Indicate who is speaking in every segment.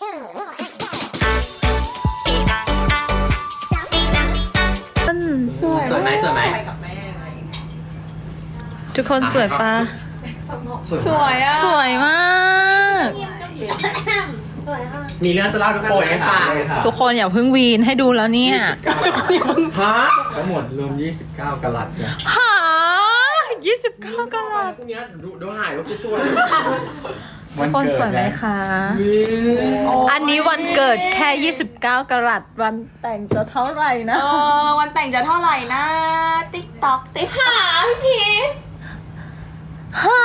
Speaker 1: สวยไหมสวยไหม
Speaker 2: ทุกคนสวยปะ
Speaker 3: สวยอ่ะ
Speaker 2: สวยมาก
Speaker 1: มีเรื่องจะเล่าทุกคนให้ฟัง
Speaker 2: ทุกคนอย่าเพิ่งวีนให้ดูแล้วเนี่ย
Speaker 1: ฮะ
Speaker 4: ทั้งหมดรวม29กะรัตเนี่ย
Speaker 2: หา29กะรัต
Speaker 1: พวกนี้ดูหายว่ากูสวย
Speaker 2: ทุกคนสวยไหมคะ อันนี้วันเกิดแค่29กะรัตวันแต่งจะเท่าไหร่นะ
Speaker 3: วันแต่งจะเท่าไหร่นะติ๊กต็อกติ๊กหาพี่
Speaker 2: หา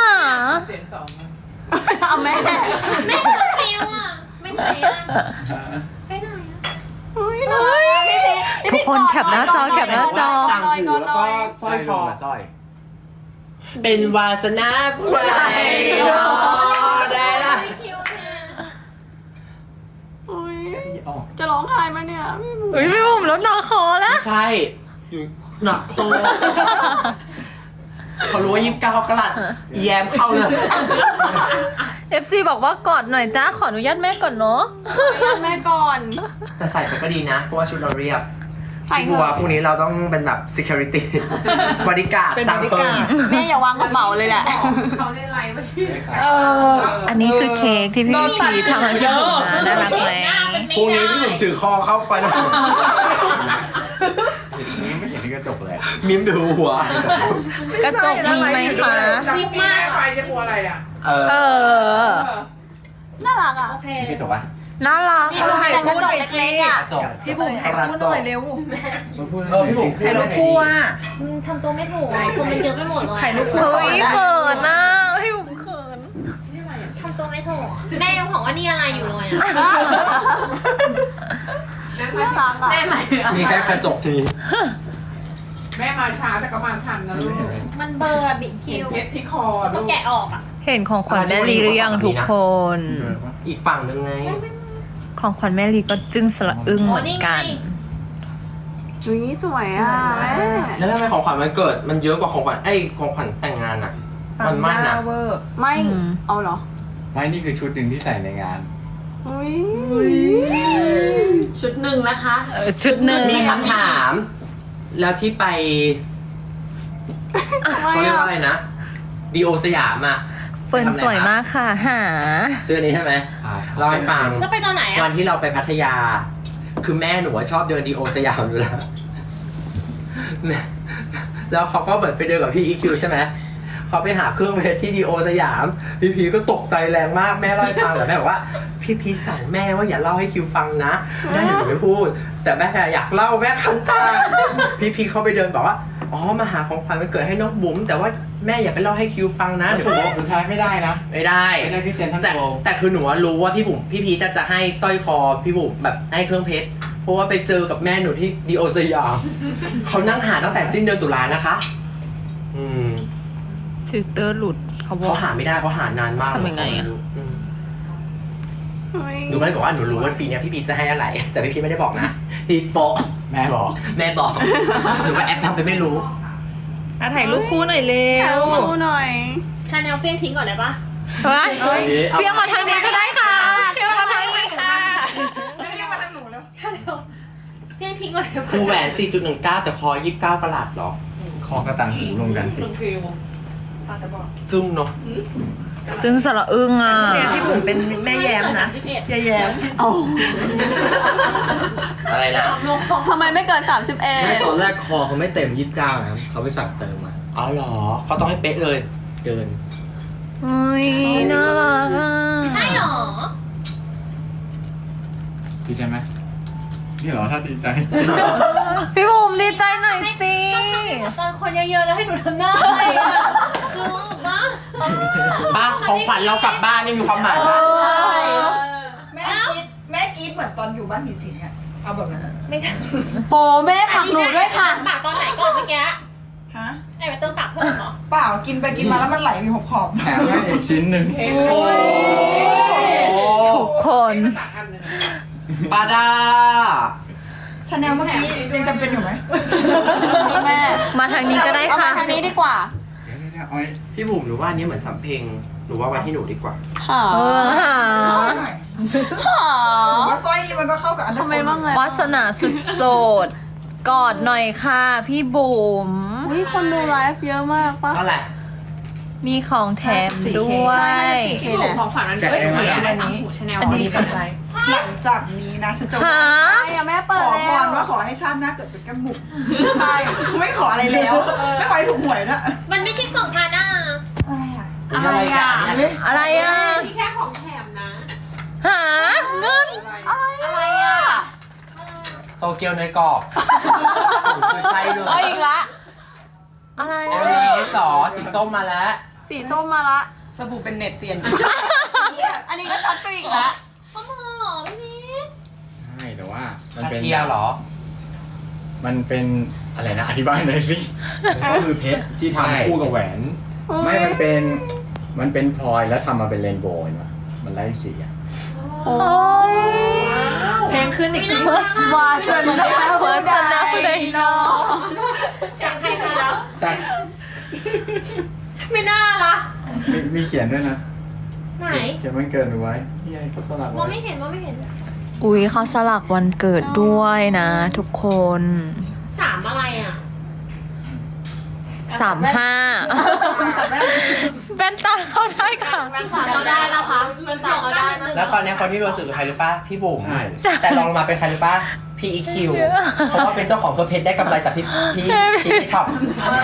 Speaker 3: เอาแม่
Speaker 5: ไม่ฟิวอ่ะไม่ไหนอ่ะไปไหนอ่ะ
Speaker 3: อุ้ยน่ารักอะพี่พี
Speaker 2: ทุกคนแคปหน้าจอแคปหน้าจอ
Speaker 1: ต่างหูแล้วก็สร้อยคอ
Speaker 4: สร้อย
Speaker 1: เป็นวาสนาผู้ใดรอได้ละ
Speaker 5: ไม่คิวเนี่ย
Speaker 3: อุ้ย
Speaker 4: ที่ออก
Speaker 3: จะร้องไห้ไหมเนี่ยพี่บุ๋ม
Speaker 2: อุ้ยพี่บุ๋มลดหนาคอแล้ว
Speaker 1: ใช่อยู่หนักคอเขารู้ว่า29กะรัตแยมเข้าเลย
Speaker 2: FC บอกว่ากอดหน่อยจ้าขออนุญาตแม่ก่อนเนาะ
Speaker 3: แม่ก่อน
Speaker 1: แต่ใส่ไปก็ดีนะเพราะว่าชุดเราเรียบ
Speaker 3: ใส่เถ
Speaker 1: บัว
Speaker 3: อะ
Speaker 1: พวกนี้เราต้องเป็นแบบ security บริการ
Speaker 3: เป็น
Speaker 1: จัง
Speaker 3: บริ
Speaker 1: เพิ่
Speaker 3: กาม รแม่อย่าวางกระเป๋าเลยแหละ
Speaker 2: อันนี้คือเค้กที่พี่พีทำให้พี่บุ๋มนะน่ารักไหม
Speaker 1: พรุ่งนี้พี่ผมถือคอเข้าไปแล้ว
Speaker 4: ไม่เห็นที่กระจกเลย
Speaker 1: มิมดูหัว
Speaker 2: กระจกมีไหมคะ
Speaker 5: รีบมาก
Speaker 1: เออ
Speaker 3: น่ารักอ่ะ
Speaker 5: โอเค
Speaker 4: พี่จบปะ
Speaker 2: น่ารัก
Speaker 3: แต่กระจกเล็กๆอ่ะ
Speaker 1: จบ
Speaker 3: พี่บุ๋มถ่ายคู่หน่อยเร็ว
Speaker 4: มาพูด
Speaker 1: พี่ผม
Speaker 3: ถ่ายรูปคู่อ่ะ
Speaker 5: ทำตัวไม่ถูกอ่ะคนมันเยอะไปหมดเลย
Speaker 3: ถ่ายรูปคู่
Speaker 2: เฮ้ยเขินนะพี่บุ๋มเขิน
Speaker 5: ทำตัวไม่ถูกแม่ยังบอกว่านี่อะไรอยู่เลยอ่ะ
Speaker 3: น่ารักอ่ะ
Speaker 5: แม่ใหม่
Speaker 1: มีแค่กระจกที
Speaker 6: แม่มาช้าแต่ก็มาทันนะลูก
Speaker 5: มันเบอร์บิด
Speaker 6: เห็
Speaker 5: คิ
Speaker 6: น
Speaker 5: ว
Speaker 6: เพชรที่คอ
Speaker 5: ต้
Speaker 6: ลู
Speaker 5: อง
Speaker 6: ก
Speaker 5: แกะออกอ่ะ
Speaker 2: เห็นของขวัญแม่ลีหรือยังทุกคน
Speaker 1: อีกฝั่งหนึ่งไง
Speaker 2: ของขวัญแม่ลีก็จึ้งสละอึ้งเหมือนกัน
Speaker 3: อุ้ยสวยอ่ะแม่
Speaker 1: แล้วทำไมของขวัญมันเกิดมันเยอะกว่าของขวัญของขวัญแต่งงานอ่ะ มันมั่นนะ
Speaker 3: ไม่
Speaker 2: อืม
Speaker 3: เอาเหรอ
Speaker 4: ไม่นี่คือชุดหนึ่งที่ใส่ในงาน
Speaker 3: อุ้ย
Speaker 7: ชุดหนึ่งนะคะ
Speaker 2: ชุดหนึ่ง
Speaker 1: มีคำถาม แล้วที่ไปเขาเรียกว่าอะไรนะดีโอสยามอ่ะ
Speaker 2: เฟิร์นสวยมากค่ะหา
Speaker 1: เสื้อนี้ใช่ไหมเล่าให้ฟัง
Speaker 5: แล้วไปตอนไหน
Speaker 1: วั
Speaker 5: อ่ะ
Speaker 1: นที่เราไปพัทยา คือแม่หนูอะชอบเดินดีโอสยามอยู่แล้วแม่แล้วเขาก็เหมือนไปเดินกับพี่อีคิวใช่ไหมเขาไปหาเครื่องเพชรที่ดีโอสยาม พี่พีก็ตกใจแรงมากแม่เล่าให้ฟังแต่แม่บอกว่าพี่พีสั่งแม่ว่าอย่าเล่าให้คิวฟังนะแม่หนูไม่พูด แต่แม่อยากเล่าแม่คันตาพี่พีเขาไปเดินบอกว่าอ๋อมาหาของขวัญวันเกิดให้น้องบุ๋มแต่ว่าแม่อย่าไปเล่าให้คิวฟังนะเดี๋ยว
Speaker 4: สุดท้ายไม่ได้นะ
Speaker 1: ไม่ได้
Speaker 4: ไม่ได้ที่เซ็นทรัล
Speaker 1: แต่
Speaker 4: โกลด์
Speaker 1: แต่คือหนูว่ารู้ว่าพี่บุ๋มพี่พีชจะให้สร้อยคอพี่บุ๋มแบบให้เครื่องเพชรเพราะว่าไปเจอกับแม่หนูที่ดีโอสยามเขานั่งหาตั้งแต่สิ้นเดือนตุลานะคะ อืม
Speaker 2: ฟิลเตอร์หลุดเขาบอ
Speaker 1: เขา
Speaker 2: ก
Speaker 1: หาไม่ได้เขาหานานมาก
Speaker 2: ทำยังไงอะ
Speaker 1: อืม
Speaker 3: อุ้ย
Speaker 1: หนูก็เลยบอกว่าหนูรู้ว่าปีเนี้ยพี่พีชจะให้อะไร แต่พี่พีชไม่ได้บอกนะพี่โปะ
Speaker 4: แม่บอก
Speaker 1: แม่บอกหนูก็แอบทำไปไม่รู้
Speaker 2: ถ่ายรูปคู่หน่อยเร็
Speaker 3: ถ่ายว รูปหน่อย
Speaker 5: ชาแนลเฟี้ยงทิ้งก่อนได้ปะ
Speaker 2: เฮ้ยเพียงมาทางนี้ก็ได้ค่ะเพียงมาทางนี้ค่ะ
Speaker 3: เรียกมาทางหนูแล้ว
Speaker 5: ชาแนลเฟี้ยงทิ้งก่อนได้ปะ
Speaker 1: คือแหวน 4.19 แต่คอ 29กะรัตเหรอ
Speaker 4: คอกระตังหูรวมกันสิ
Speaker 6: ลงฟิวตาจะบอก
Speaker 1: ซึ่งเนาะ
Speaker 2: จึงสละอึ้งอ่ะ
Speaker 5: พี่บุ๋มเป็นแม่แย้มนะ31
Speaker 3: แย้มเอา
Speaker 1: อะไรนะ
Speaker 3: ทำไมไม่เกิน
Speaker 8: ไม่ตอน
Speaker 3: 31
Speaker 8: แรกคอเขาไม่เต็ม29นะครับเขาไปสั่งเติมมา
Speaker 1: อ๋อเหรอเขาต้องให้เป๊ะเลย เกิน
Speaker 2: เฮ้ยน่ารักอ่ะ
Speaker 5: ใช่หรอ
Speaker 4: ดีใจไหมนี่เหรอถ้าดีใจ
Speaker 2: พี่บุ๋มดีใจหน่อยสิ
Speaker 5: ตอนคนเยอะๆแล้วให้หนูทำหน้าอะไรอ่ะรู้ปะ
Speaker 1: ป้าของขวัญเรากลับบ้านนี่มีความหมายมาก
Speaker 3: แม่กรีดเหมือนตอนอยู่บ้านผีสิงอ่ะ เอาแบบนั้น
Speaker 5: ไม่ท
Speaker 3: โปแม่ผักหนูด้วยค่ะ
Speaker 5: ปากตอนไหนก่อนเมื่อกี้
Speaker 3: ฮะ
Speaker 5: ไอ้ไปเติมปากเพิ่มเหรอ
Speaker 3: เปล่ากินไปกินมาแล้วมันไหลมีขอบ
Speaker 4: แถมให้อีกชิ้นหนึ่ง
Speaker 2: ทุกคน
Speaker 1: ป้าดา
Speaker 3: ชาแนลเมื่อกี้ยังจำเป็นอยู่ไหมแม่
Speaker 2: มาทางนี้ก็ได้
Speaker 3: เอา
Speaker 2: ค่ะ
Speaker 3: มาทางนี้ดีกว่า
Speaker 4: เอาไว้
Speaker 1: พี่บุ๋มหนูว่าอันนี้เหมือนสำเพ็งหนูว่าไว้ที่หนูดีกว่า
Speaker 3: ค่ะ
Speaker 2: เออหา
Speaker 3: หน่อยว่าสร้อยนี้มันก็เข้ากับอัน
Speaker 2: ทำไมบ้างไงวาสนาสุดโสดกอดหน่อยค่ะพี่บุ๋ม
Speaker 9: อุ้ยคนดูไลฟ์เยอะมากปะ
Speaker 1: เท่าไหร่
Speaker 2: มีของแถมด้วย
Speaker 6: พี่บุ๋มของขวัญวันเกิดหนูอยากได้ต่างหูชาแนล
Speaker 2: อันนี้
Speaker 6: มีกันใจ
Speaker 3: หลังจากนี้นะฉันจะ
Speaker 2: หา
Speaker 9: ใช่อะแม่
Speaker 3: ข
Speaker 9: เปิด
Speaker 3: อพ
Speaker 9: แล้ว
Speaker 3: รว่าขอให้ชาติหน้าเกิดเป็นแก้มบุ๋มใช่ไม่ขออะไรแล้ว ไม่ขอให้ถูกหวยด้วย
Speaker 5: มันไม่ใช่ของมันอ่ะ
Speaker 3: อะไรอ่ะ
Speaker 1: อะไรกัน
Speaker 3: อันนี้
Speaker 2: อะไรอ่ะ
Speaker 6: แค่ของแถมนะ
Speaker 2: หาเงิน
Speaker 3: อะไรอ่ะ
Speaker 1: โตเกียวเนยกรอบคือใช่เลย
Speaker 9: เอาอีกละ
Speaker 2: อะไร
Speaker 1: เอ
Speaker 2: อ่ะ
Speaker 1: ลจ๋อสีส้มมาแล้ว
Speaker 9: สีส้มมาละ
Speaker 6: สบู่เป็นเน็ตเซียน
Speaker 9: อันนี้ก็ช็อตไปอีกละ
Speaker 5: ข้อมือเหรอพี่พีท
Speaker 4: ใช่แต่ว่ามัน
Speaker 1: คา
Speaker 4: เป็น
Speaker 1: เทียเหรอ
Speaker 4: มันเป็นอะไรนะอธิบายหน่อยสิ
Speaker 10: ก็คือเพชรที่ทำคู่กับแหวน
Speaker 4: ไม่มันเป็นพลอยแล้วทำมาเป็นเรนโบว์เห็นปะมันไล่สีอ่ะ
Speaker 2: โอ้ย
Speaker 3: เพลงขึ้นอีกที
Speaker 9: วาสนา
Speaker 2: วาสนาเลยเนาะ
Speaker 5: จากใครมาแล้ว
Speaker 4: แต่
Speaker 5: ไม่น่าละ
Speaker 4: มีเขียนด้วยนะ
Speaker 5: ไหน
Speaker 4: เขียนวันเกิดหนูไว้นี่ไงเขาสลัก
Speaker 5: มอง
Speaker 4: ไว้
Speaker 5: ไม่เห็นมองไม่เห็น
Speaker 2: อุ๊ยเขาสลักวันเกิดด้วยนะทุกคน
Speaker 5: สามอะไรอ่ะ
Speaker 2: 35แว่นตาเข้าได้ค่ะ
Speaker 9: แว่นตาเขาได้นะคะแว่นตาเขาได้นะ
Speaker 1: แล้วตอนนี้คนที่รู้สึกคือใครรู้ป่ะ พี่บุ๋ม
Speaker 4: ใช่
Speaker 1: แต่ลองลงมาเป็นใครรู้ป่ะ พี่อีคิว เพราะว่าเป็นเจ้าของเครื่องเพชรได้กำไรจากพี่ช็อป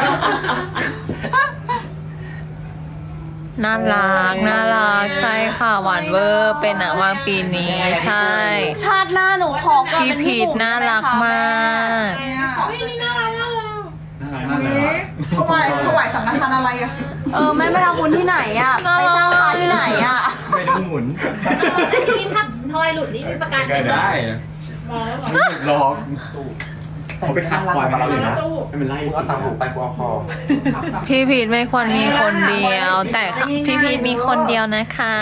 Speaker 2: น่ารักใช่ค่ะหวานเวอร์เป็นหนังวางปีนี้ใช่
Speaker 9: ชาติหน้าหนูขอเกิด
Speaker 2: พี่
Speaker 9: เป็น
Speaker 2: พี
Speaker 9: พี่
Speaker 2: ท
Speaker 9: บุ๋ม
Speaker 2: น่ารักมาก
Speaker 5: เฮ้ยนี่น่ารักมากเลย
Speaker 4: น่ารักมากเลยว่ะ
Speaker 3: ถวายสังฆทานอะไรอ่ะ
Speaker 9: แม่ไปทำบุญที่ไหนอะไปสร้างพานที่ไหนอะ
Speaker 4: ไม่ต้องหมุน
Speaker 5: ไอ้ทีนี้ถ้าทอยหลุดนี่มีประกัน
Speaker 4: ก็ได้ไม่หยุดหรอกเขาไปทักพลอยมาแล้วเลยนะไม่เป็นไร
Speaker 1: กูเอาตังหูไปกูเอาคอ
Speaker 2: พี่พีทไม่ควรมีคนเดียว แต่พี่พีทมีคนเดียวนะคะ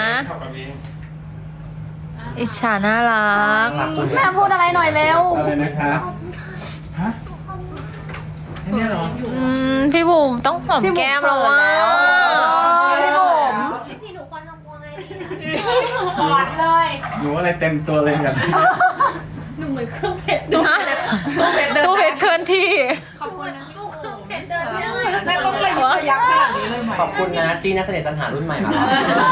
Speaker 2: อิจฉาน่ารัก
Speaker 9: แม่พูดอะไรหน่อยเร็ว
Speaker 4: อะไรนะครับฮะแค่เนี้ยเหรอ
Speaker 2: พี่บุ๋มต้องหอมแก้มแล้วว่า
Speaker 9: พี่บุ๋ม
Speaker 5: พี่พีหนูควรทำตัวไงดี
Speaker 6: กอดเลย
Speaker 4: หนูอะไรเต็มตัวเลยแบบ
Speaker 5: หนูเหมือนเครื่องเพชร
Speaker 2: ตู้เพชรเคลื่อนที่
Speaker 5: ขอบคุณนะตู้เครื่องเพชรเดินไม่ได้
Speaker 3: แม่ต้องระยิบระยับขนาดนี้เลยไหม
Speaker 1: ขอบคุณนะจีนักเสน่ห์ตันหารุ่นใหม่มาแล้ว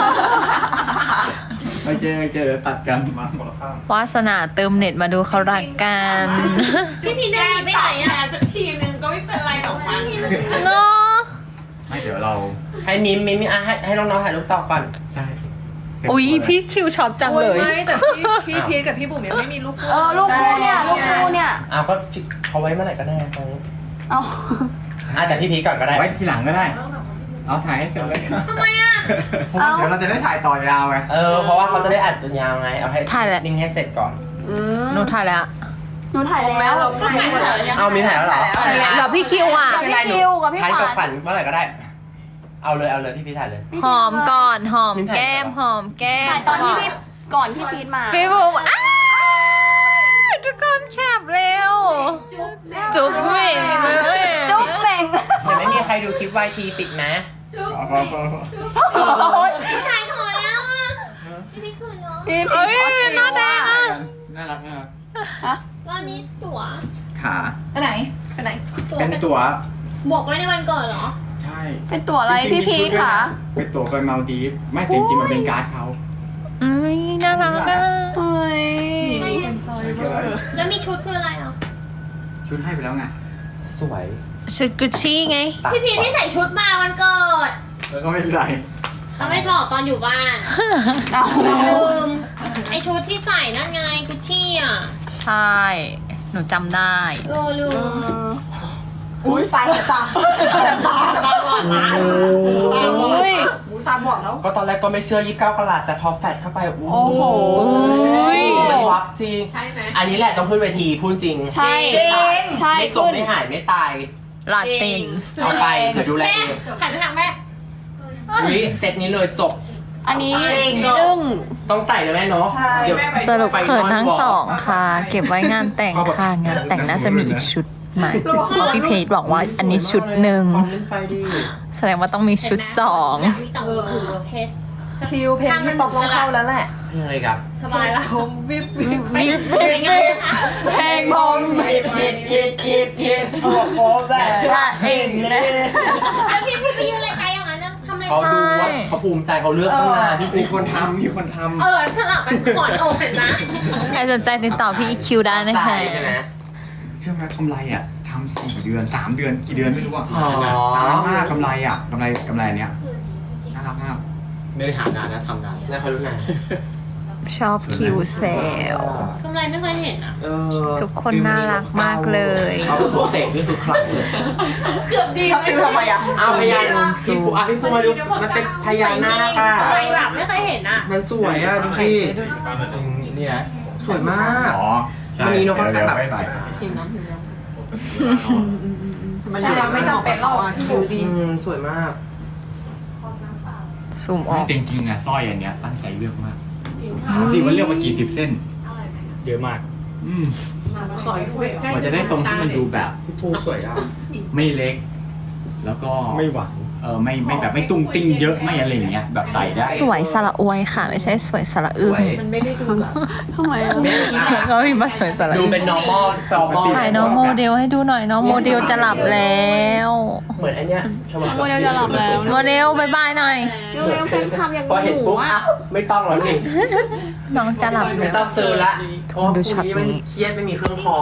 Speaker 4: โอเคเดี๋ยวตัดกันมาคนละข้าง
Speaker 2: วาสนาเติมเน็ตมาดูเขารักกัน
Speaker 5: พี่พีเดินหนีไปไหนอ่ะ
Speaker 6: สักทีนึงก็ไม่เป็นไรหรอกมั้ง
Speaker 2: เนาะ
Speaker 4: ไม่เดี๋ยวเรา
Speaker 1: ให้มิมให้น้องๆถ่ายรูปต่อก่อน
Speaker 4: ใช่
Speaker 2: อุ๊ยพี่คิวช็อปจังเลย
Speaker 6: ไม่แต่พี่พีทกับพี่บุ๋มยังไม่มีลูกคู่
Speaker 9: ลูกคู่เนี่ยลูกคู่เนี่ย
Speaker 1: อ้าวก็เขาไว้เมื่อไหร่ก็ได้ตรงนี้
Speaker 9: เอา
Speaker 1: แต่พี่พีชก่อนก็ได้
Speaker 4: ไว้ทีหลังก็ได้ เอาถ่ายให้เสร็จเลย
Speaker 5: ทำไมอ่ะ
Speaker 4: เพราะว่าเดี๋ยวเราจะได้ถ่ายต่อยาวไง
Speaker 1: เพราะว่าเขาจะได้อัดจนยาวไง เอาให้
Speaker 2: ถ่ายแหละ
Speaker 1: นิ่งให้เสร็จก่อน
Speaker 2: หนูถ่ายแล้ว
Speaker 9: หนูถ่ายแล้ว
Speaker 1: เอามีถ่ายแล้วเหรอ
Speaker 2: เดี๋ยวพี่คิวอ่ะ
Speaker 9: กับพี่คิวกับพี่
Speaker 1: ใช้
Speaker 9: ข
Speaker 1: กับ
Speaker 9: วัญ
Speaker 1: ขวัญเมื่อไหร่ก็ได้ เอาเลยพี่พีชถ่ายเลย
Speaker 2: หอมก่อนหอมแก้มหอมแก้ม
Speaker 9: ถ่ายตอนที่พี่ก่อนพี่พีทมา
Speaker 2: พี่บุ๋มอ้าวทุกคนแคบเร็ว จุ๊บเหม่งเลย
Speaker 9: จุ๊บเหม่ง
Speaker 1: เดี๋ยวไม่มีใครดูคลิปวายทีปิดนะ
Speaker 5: ผู้ชายถอยแล้วอ่ะพี่พีคืนเนาะ
Speaker 9: พี่
Speaker 2: เอ้ย
Speaker 9: พีท
Speaker 2: หน้าแดงอ่ะ
Speaker 4: น่ารัก
Speaker 5: ตอนนี้ตั๋ว
Speaker 4: ขา
Speaker 3: ไปไหน
Speaker 5: ไปไหนตั๋ว
Speaker 4: เป็นตั๋ว
Speaker 5: บวกไว้ในวันเกิดเหรอ
Speaker 4: ใช่
Speaker 9: เป็นตัวอะไรพี่พีทค่ะ
Speaker 4: เป็นตั๋วไปมาลดีฟไม่แต่จริงๆมันเป็นการ์ดเขา
Speaker 2: อุ้ยน่ารักอ่ะ
Speaker 9: เฮ้ย
Speaker 5: แล้วมีชุดคืออะไรอ่ะ
Speaker 4: ชุดให้ไปแล้วไง
Speaker 1: สวย
Speaker 2: ชุดกุชชี่ไง
Speaker 5: พี่พีที่ใส่ชุดมาวันเกิด
Speaker 4: แล้วก็ไม่เป็นไร
Speaker 5: เขาไม่บอกตอนอยู่บ้าน
Speaker 9: เอา
Speaker 5: ลืมไอชุดที่ใส่นั่นไงกุชชี่อ่ะ
Speaker 2: ใช่ หนูจำได้
Speaker 5: ลืม
Speaker 3: อุ้ยตายตาตาบอดนะตาบอดตาบอดแล้ว
Speaker 1: ก็ตอนแรกก็ไม่เชื่อ29กะรัตแต่พอแฟดเข้าไปโอ้โห
Speaker 2: อุ้ย
Speaker 1: มันวับจริง
Speaker 6: ใช่ไหม
Speaker 1: อันนี้แหละต้องขึ้นเวทีพูดจริง
Speaker 9: ใช่ใช่
Speaker 1: ไม่จบไม่หายไม่ตาย
Speaker 2: ลาติน
Speaker 1: เอาไปเดี๋ยวดูแล
Speaker 5: แม่
Speaker 1: เอง
Speaker 5: หันไปทางแม่
Speaker 1: อุ๊ยเซตนี้เลยจบ
Speaker 9: อันนี้
Speaker 2: จึ้ง
Speaker 1: ต้องใส่เลยแม่เนาะ
Speaker 3: ใช่
Speaker 1: เดี๋ยว
Speaker 2: สรุปเขินทั้งสองค่ะ เก็บไว้งานแต่งค่ะ งานแต่งน่าจะมีอีกชุดใหม่เพราะพี่เพจบอกว่าอันนี้ชุดหนึ่ง
Speaker 1: ความเล่นไฟดี
Speaker 2: แสดงว่าต้องมีชุดสอง
Speaker 5: อยากมีต่างหูเพชร
Speaker 3: คิวเพลงที่ป๊อปต้องเข้าแล้วแหละ
Speaker 1: ใเพลงอะไรกัน
Speaker 5: สบายละ
Speaker 2: วิบ
Speaker 5: ยังไงคะ
Speaker 3: เพลงมองฮิตโอ้โหแบบว่าเองเลย
Speaker 5: แล้วพี่ไปยืนอะไรไกลอย่างนั้นนะทำไม
Speaker 1: เขาดูว่าเขาภูมิใจเขาเลือกตั้งนานพี่
Speaker 10: มีคนทำ
Speaker 5: สลับกันกอดอกเห็นนะ
Speaker 2: ใครสนใจติดต่อพี่ EQ ได้นะคะ
Speaker 1: ใช่ไหม
Speaker 10: เชื่อไหมกำไรอ่ะทำ4 เดือน 3 เดือนกี่เดือนไม่รู้อ่ะ
Speaker 1: อ๋อ
Speaker 10: นานมากกำไรอ่ะกำไรอันเนี้ยน่ารักมาก
Speaker 8: ไม่ได้หานานนะทำนาน
Speaker 1: แล้วเขารู้ไง
Speaker 2: ชอบคิวเซล
Speaker 5: กำไรไม่เคยเห็นอ่ะ
Speaker 2: ทุกคนน่ารักมากเลย
Speaker 1: เขาเป็นโซเซกนี่คือคลังเลย
Speaker 3: ชอบฟิลทำไมอ่ะ
Speaker 1: อ้าวพญานาคพี่ปูพี่ปูมาดูมันเป็นพญานาคอ่ะ
Speaker 5: กำไรแบบไม่เคยเห็นอ่ะ
Speaker 1: มันสวยอ่ะดูสิ
Speaker 8: นี่นะ
Speaker 1: สวยมาก
Speaker 10: อ๋อใช่
Speaker 1: วันนี้นกก็แบบ
Speaker 10: ไม่ใส่
Speaker 3: มันยังไม่จำเป็นหรอกคิวดี
Speaker 1: สวยมาก
Speaker 2: ซูมออก
Speaker 10: จริงๆอ่ะสร้อยอันเนี้ยตั้งใจเลือกมากปกติว่าเลือกมากี่10 เส้น
Speaker 8: เยอะมาก
Speaker 6: ขอคุยใกล้
Speaker 10: มันจะได้ทรงที่มันดูแบบ
Speaker 1: พี่ปูสวยอ่ะ
Speaker 10: ไม่เล็ก แล้วก็
Speaker 8: ไม่หวาน
Speaker 10: ไม่แบบไม่ตุ้งติ้งเยอะไม่อะไรอย่างเงี้ยแบบใส่ได้
Speaker 2: สวยสระอวยค่ะ ไม่ใช่สวยสระอึ้ง
Speaker 6: มันไม่ได้ดูแบบ
Speaker 3: ทำไมอ่ะ
Speaker 2: ก็มีมาสวยสระ
Speaker 1: ดู
Speaker 2: อึ้ง
Speaker 1: เป็น normal
Speaker 2: ถ่ายน้องโมเดลให้ดูหน่อยน้องโมเดลจะหลับแล้ว
Speaker 1: เหมือนไอเนี้ย
Speaker 3: โมเดลจะหลับแล้ว
Speaker 2: โมเดลบายบายหน่อย
Speaker 3: เร็วๆแฟนคลับอย่าง
Speaker 1: พอเห็น
Speaker 3: หนู
Speaker 1: ปุ๊บ
Speaker 3: อ่ะ
Speaker 1: อ่ะไม่ต้องแล้วนี่
Speaker 2: น้องจะหลับ
Speaker 1: ไม่
Speaker 2: แล้ว
Speaker 1: ต้องซื้อละเพราะว่า
Speaker 2: ดู
Speaker 1: พ
Speaker 2: ช็อต
Speaker 1: รุ่งนี้
Speaker 2: นี้
Speaker 1: มันเครียดไม่มีเครื่องคอ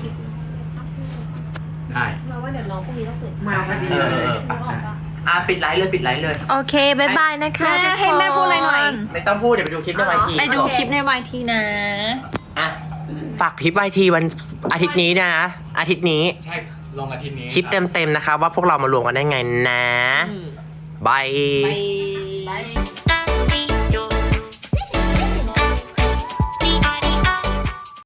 Speaker 10: ได้
Speaker 5: เราว่าเดี๋ยวน้องพรุ่งนี้ต้องตื่น
Speaker 6: มาพอดี
Speaker 1: ปิดไลฟ์เลยปิดไลฟ์เลย
Speaker 2: โอเคบายบายนะคะ
Speaker 3: แม่ให้แม่พูดอะไรหน่อย
Speaker 1: ไม่ต้องพูดเดี๋ยวไปดูคลิปในไวที
Speaker 2: ไปดูคลิปในวายทีนะ
Speaker 1: อ่ะฝากคลิปไวทีวันอาทิตย์นี้นะอาทิตย์นี้
Speaker 10: ใช่ลงอาทิตย์นี้
Speaker 1: คลิปเต็มๆนะคะว่าพวกเรามารวมกันได้ไงนะบาย
Speaker 3: ไป